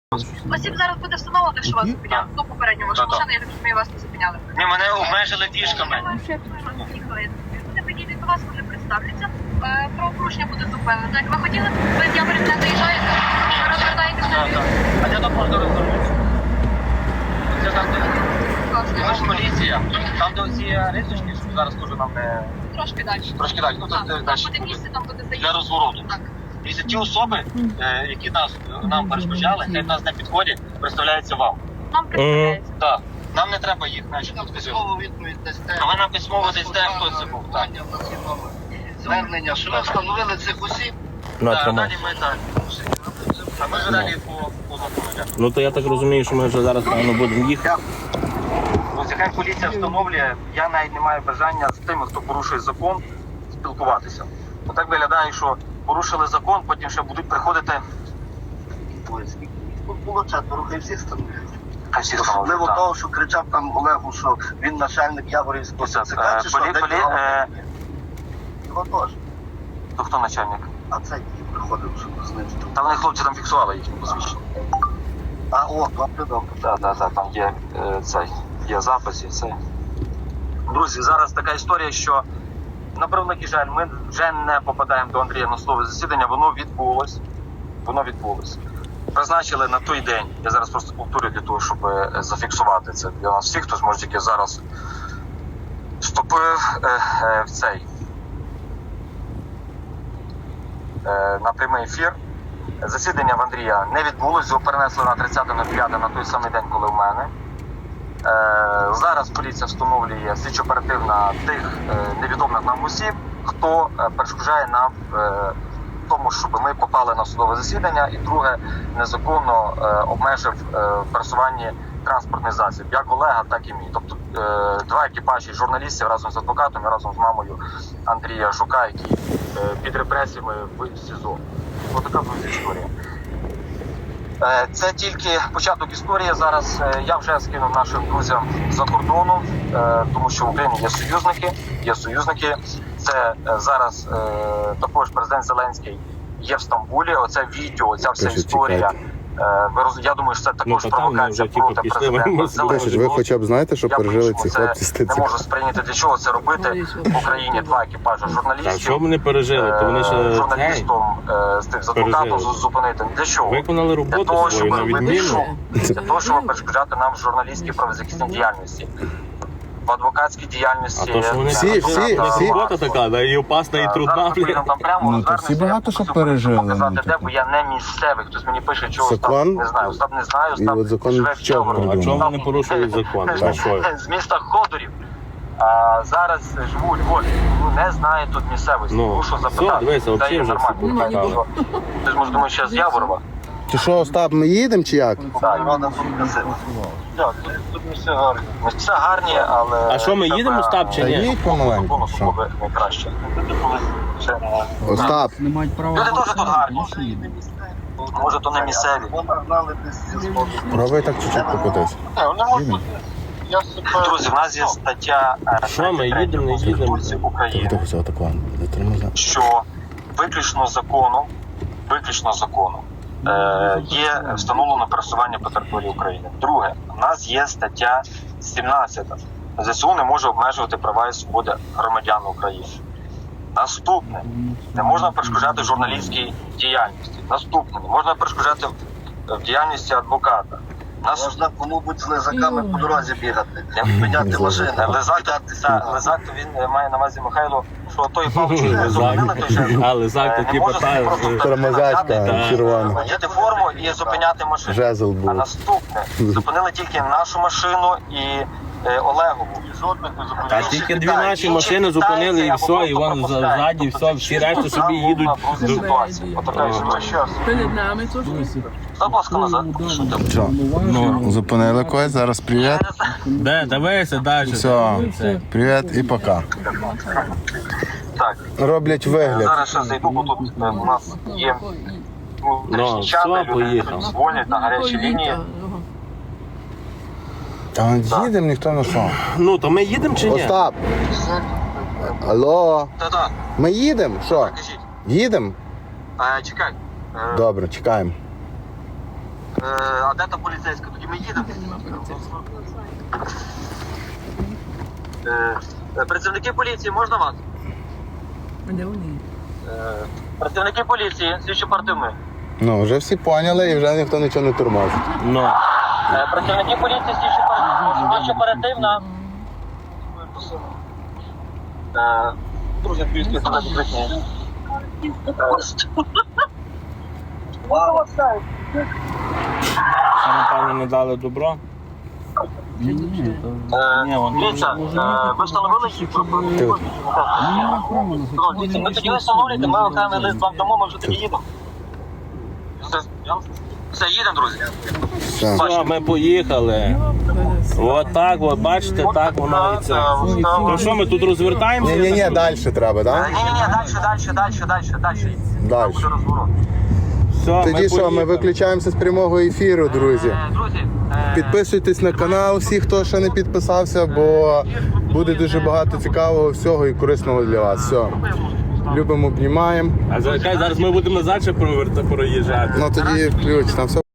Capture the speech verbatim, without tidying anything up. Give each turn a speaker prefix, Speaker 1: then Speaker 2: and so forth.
Speaker 1: Осіб зараз буде встановлено, що вас зупиняли. Ну, попередньо ваша машина, я так розумію, вас не зупиняли.
Speaker 2: Ні, мене обмежили діжками.
Speaker 1: Вони підійдуть до вас, вони представляться. Правопорушення буде зупинено. Так, ви хотіли, ви з Яворів не заїжджаєте, розвертаєтеся на ліву.
Speaker 2: А де тут можна розвернутися? Це там, де... Ми ж поліція. Там, де оці рисочки, що зараз теж нам не...
Speaker 1: Трошки далі.
Speaker 2: Трошки далі. Ну,
Speaker 1: Так,
Speaker 2: це
Speaker 1: там
Speaker 2: далі
Speaker 1: буде місце, там буде заїзд.
Speaker 2: для розвороту.
Speaker 1: Так.
Speaker 2: І ті особи, е, які нас, нам перешкоджали, хай нас не підходять, представляються вам.
Speaker 1: Нам представляється.
Speaker 2: Так. Нам не треба їх, значить, підписувати.
Speaker 3: відповідь дасте.
Speaker 2: А ви нам письмово дасте, хто це був. Так.
Speaker 3: Звернення, що ви встановили цих осіб.
Speaker 2: Так, далі ми так. А ми ж далі по, по закону.
Speaker 4: Ну то я так розумію, що ми вже зараз певно будемо їхати.
Speaker 2: Ось яка поліція встановлює, я навіть не маю бажання з тими, хто порушує закон, спілкуватися. Отак виглядає, що порушили закон, потім ще будуть приходити.
Speaker 3: Було четверо, хай всіх встановили.
Speaker 2: Хай всі
Speaker 3: Особливо
Speaker 2: встановлюють,
Speaker 3: того, що кричав там Олегу, що він начальник Яворівського
Speaker 2: так.
Speaker 3: ЦК,
Speaker 2: Е,
Speaker 3: чи що?
Speaker 2: полі-
Speaker 3: Де
Speaker 2: полі-
Speaker 3: його?
Speaker 2: е,
Speaker 3: Його теж.
Speaker 2: То хто начальник?
Speaker 3: А цей приходив, щоб знищити.
Speaker 2: Та вони хлопці там фіксували їхні посвідчення.
Speaker 3: А, о, добре, добре.
Speaker 2: Так, так, так, там є е, цей, є запис і це. Друзі, зараз така історія, що на превеликий жаль, ми вже не попадаємо до Андрія на слово засідання, воно відбулось. Воно відбулось. Призначили на той день, я зараз просто повторю для того, щоб е, зафіксувати це для нас всіх, хто зможе тільки зараз вступив е, е, в цей е, на прямий ефір. Засідання в Андрія не відбулось, його перенесли на тридцяте п'яте на той самий день, коли в мене. Е, зараз поліція встановлює слідчо-оперативна тих е, невідомих нам осіб, хто е, перешкоджає нам е, тому, щоб ми попали на судове засідання, і друге, незаконно е, обмежив е, в пересуванні транспортний засіб, як Олега, так і мій. Тобто е, два екіпажі журналістів разом з адвокатом і разом з мамою Андрія Жука, які е, під репресіями в СІЗО. Ось така буде історія. Е, це тільки початок історії. Зараз е, я вже скинув нашим друзям за кордону, е, тому що в Україні є союзники, є союзники. Це е, зараз е, також президент Зеленський є в Стамбулі. Оце відео, оця вся
Speaker 5: Пишуть,
Speaker 2: історія. Е, ви роз... Я думаю, що це також
Speaker 4: Ну, то там
Speaker 2: провокація
Speaker 4: вже, типу,
Speaker 2: проти
Speaker 4: пішли,
Speaker 2: президента
Speaker 4: ми
Speaker 5: Пишуть,
Speaker 2: Зеленського.
Speaker 5: ви хоча б знаєте, що
Speaker 2: Я
Speaker 5: пережили
Speaker 2: по-іншому
Speaker 5: ці
Speaker 2: це
Speaker 5: хлопці з
Speaker 2: не
Speaker 5: ТЦК?
Speaker 2: можу сприйняти, для чого це робити в Україні два екіпажі
Speaker 4: Так,
Speaker 2: журналістів.
Speaker 4: що вони пережили, то вони
Speaker 2: Е,
Speaker 4: ще цей,
Speaker 2: журналістом е, з тих з адвокатом
Speaker 4: пережили.
Speaker 2: зупинити. Для чого?
Speaker 4: виконали
Speaker 2: Для
Speaker 4: роботу
Speaker 2: того,
Speaker 4: свою
Speaker 2: щоб
Speaker 4: на
Speaker 2: робити
Speaker 4: відміну.
Speaker 2: шум, для того, щоб перешкоджати нам в журналістській правозахисній діяльності. В адвокатській діяльності.
Speaker 4: А то, що вони
Speaker 5: Всі-
Speaker 4: всі,
Speaker 5: всі-
Speaker 4: всі,
Speaker 5: всі-
Speaker 4: робота така, да, і опасна, і трудна.
Speaker 2: Зараз ми поїдемо там прямо,
Speaker 5: Ну, то
Speaker 2: розвернемося,
Speaker 5: всі багато
Speaker 2: я
Speaker 5: що
Speaker 2: хочу
Speaker 5: пережили,
Speaker 2: показати,
Speaker 5: ну,
Speaker 2: де,
Speaker 5: типу.
Speaker 2: бо я не місцевий. Хтось мені пише, чого Остап,
Speaker 5: Закон?
Speaker 2: не знаю, Остап не знаю,
Speaker 5: І
Speaker 2: Остап
Speaker 5: от закон
Speaker 2: живе в
Speaker 5: чого
Speaker 2: Чорному.
Speaker 4: А чому
Speaker 2: Там-
Speaker 4: вони порушують закон? За що?
Speaker 2: З міста Ходорів. А зараз живу у Львові, ну не знаю тут місцевості,
Speaker 4: Ну,
Speaker 2: мушу
Speaker 4: все,
Speaker 2: запитати.
Speaker 4: дивися,
Speaker 2: Де
Speaker 4: взагалі
Speaker 2: є
Speaker 4: вже
Speaker 2: нормально?
Speaker 4: всі покатали.
Speaker 2: Ти ж може думаєш, що я з Яворова?
Speaker 5: Чи що, Остап, ми їдемо чи як?
Speaker 2: Так,
Speaker 3: Івана тут красиво.
Speaker 2: Так, тут, тут не все гарні. Все гарні, але...
Speaker 4: А що, ми їдемо, Остап, чи
Speaker 5: Та
Speaker 4: ні?
Speaker 5: їдь помаленьку,
Speaker 2: Було
Speaker 5: що?
Speaker 2: б найкраще. Ще-
Speaker 5: Остап,
Speaker 6: Не мають права.
Speaker 2: Люди теж тут гарні. Може, то не місцеві.
Speaker 3: Вони гнали десь зі сходу.
Speaker 5: пробуй так чуть-чуть покотись.
Speaker 2: Їдемо. Друзі, в нас є стаття е,
Speaker 4: Що ми їдемо, не їдемо?
Speaker 2: Конституції України,
Speaker 5: Тихо, все, так ладно, затримай.
Speaker 2: що виключно законом, виключно законом е, є встановлено пересування по території України. Друге, в нас є стаття сімнадцята. ЗСУ не може обмежувати права і свободи громадян України. Наступне, не можна перешкоджати журналістській діяльності. Наступне, не можна перешкоджати в діяльності адвоката. Нас
Speaker 3: Можна кому-будь з лизаками по дорозі бігати.
Speaker 2: Я
Speaker 3: Підняти машини.
Speaker 2: Лизак, та, Лизак, то він е, має на увазі Михайло, що той паличку не зупинили, той ще
Speaker 4: А, Лизак
Speaker 2: е,
Speaker 4: такі
Speaker 2: не може
Speaker 4: питає,
Speaker 2: просто
Speaker 4: що-
Speaker 5: Тормозячка
Speaker 2: перестати,
Speaker 5: червона.
Speaker 2: одягти форму і зупиняти машину.
Speaker 5: Жезл
Speaker 2: А
Speaker 5: був.
Speaker 2: наступне, зупинили тільки нашу машину і е, Олегову. Жодних не
Speaker 4: Та
Speaker 2: зупинили.
Speaker 4: тільки дві наші машини зупинили і все, і вон ззаді все, всі решта собі їдуть.
Speaker 2: Отака історія.
Speaker 6: Перед нами теж.
Speaker 2: Будь ласка, назад. Що ти?
Speaker 5: Що?
Speaker 4: Ну,
Speaker 5: Зупинили когось, зараз привіт.
Speaker 4: де, дивися далі.
Speaker 5: Все, привіт і пока.
Speaker 2: Так,
Speaker 5: Роблять вигляд.
Speaker 2: зараз ще зайду, бо тут е, у нас є
Speaker 4: Ну,
Speaker 2: внутрішні чати,
Speaker 4: все,
Speaker 2: люди
Speaker 4: поїхав.
Speaker 2: дзвонять на гарячі лінії.
Speaker 5: Та їдемо, ніхто не що.
Speaker 4: Ну, то ми їдемо чи ні?
Speaker 5: Остап! Алло,
Speaker 2: Та-та,
Speaker 5: ми їдемо? Що?
Speaker 2: кажіть.
Speaker 5: Їдемо?
Speaker 2: А, чекай. Е,
Speaker 5: Добре, чекаємо.
Speaker 2: Е, а де та поліцейська? Тоді ми їдемо. Е, е, працівники поліції, можна вас?
Speaker 6: Де вони?
Speaker 2: Е, працівники поліції, слідчі оперативної.
Speaker 5: Ну, вже всі поняли і вже ніхто нічого не тормозить.
Speaker 4: Ну.
Speaker 2: Е, працівники поліції, слідчі оперативна. Слідчі оперативна. Е, Друзі, поліції, це закритні.
Speaker 4: Це, напевно, не дали добро.
Speaker 6: Ні, ні.
Speaker 4: Ні, вон-
Speaker 2: Дивіться, е, ви встановили їх?
Speaker 5: Тут.
Speaker 2: Ну, дивіться, ви тоді встановлюєте, ми окремий лист вам дамо, ми вже тоді їдемо. Все, все, їдемо, друзі.
Speaker 5: Все.
Speaker 4: Все, ми поїхали. От так, от, бачите, так воно і це. То що, ми тут розвертаємося?
Speaker 5: Ні-ні-ні, далі треба, так?
Speaker 2: Ні-ні-ні, далі, далі, далі, далі, далі.
Speaker 5: Далі.
Speaker 2: Буде розворот.
Speaker 4: Все,
Speaker 5: Тоді що, ми
Speaker 4: поїхали.
Speaker 5: виключаємося з прямого ефіру, друзі.
Speaker 2: Е, Друзі, е,
Speaker 5: Підписуйтесь на канал, всі, хто ще не підписався, бо буде дуже багато цікавого всього і корисного для вас. Все. Любимо, обнімаємо.
Speaker 4: А за- зараз ми будемо назад ще проверта- проїжджати.
Speaker 5: Ну тоді ключ, там все.